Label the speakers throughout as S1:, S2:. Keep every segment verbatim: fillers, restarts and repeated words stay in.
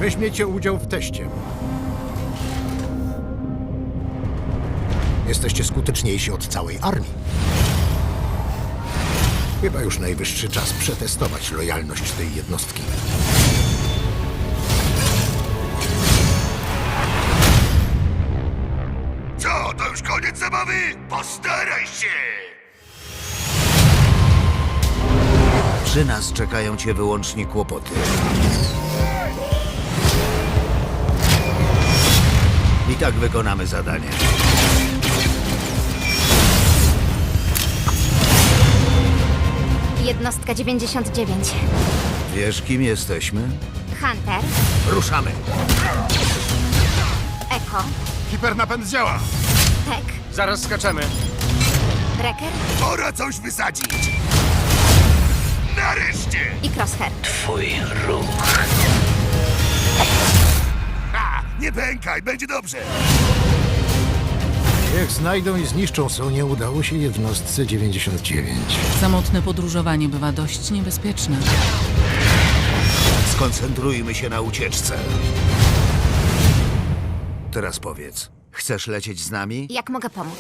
S1: Weźmiecie udział w teście. Jesteście skuteczniejsi od całej armii. Chyba już najwyższy czas przetestować lojalność tej jednostki.
S2: Co, to już koniec zabawy? Postaraj się!
S3: Przy nas czekają cię wyłącznie kłopoty. I tak wykonamy zadanie.
S4: Jednostka dziewięćdziesiąt dziewięć.
S3: Wiesz, kim jesteśmy?
S4: Hunter.
S3: Ruszamy!
S4: Echo.
S5: Hipernapęd działa!
S4: Tek.
S5: Zaraz skaczemy.
S4: Wrecker.
S2: Pora coś wysadzić! Nareszcie!
S4: I Crosshair.
S2: Ha! Nie pękaj, będzie dobrze!
S1: Jak znajdą i zniszczą Sonię, udało się jednostce dziewięćdziesiąt dziewięć.
S6: Samotne podróżowanie bywa dość niebezpieczne.
S3: Skoncentrujmy się na ucieczce. Teraz powiedz, chcesz lecieć z nami?
S4: Jak mogę pomóc?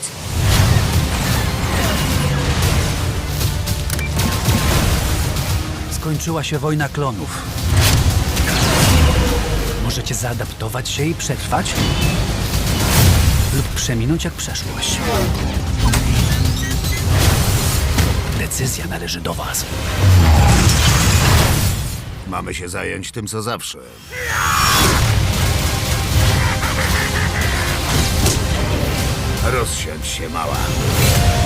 S7: Skończyła się wojna klonów. Możecie zaadaptować się i przetrwać? Lub przeminąć jak przeszłość. Decyzja należy do was.
S3: Mamy się zająć tym, co zawsze. Rozsiądź się, mała.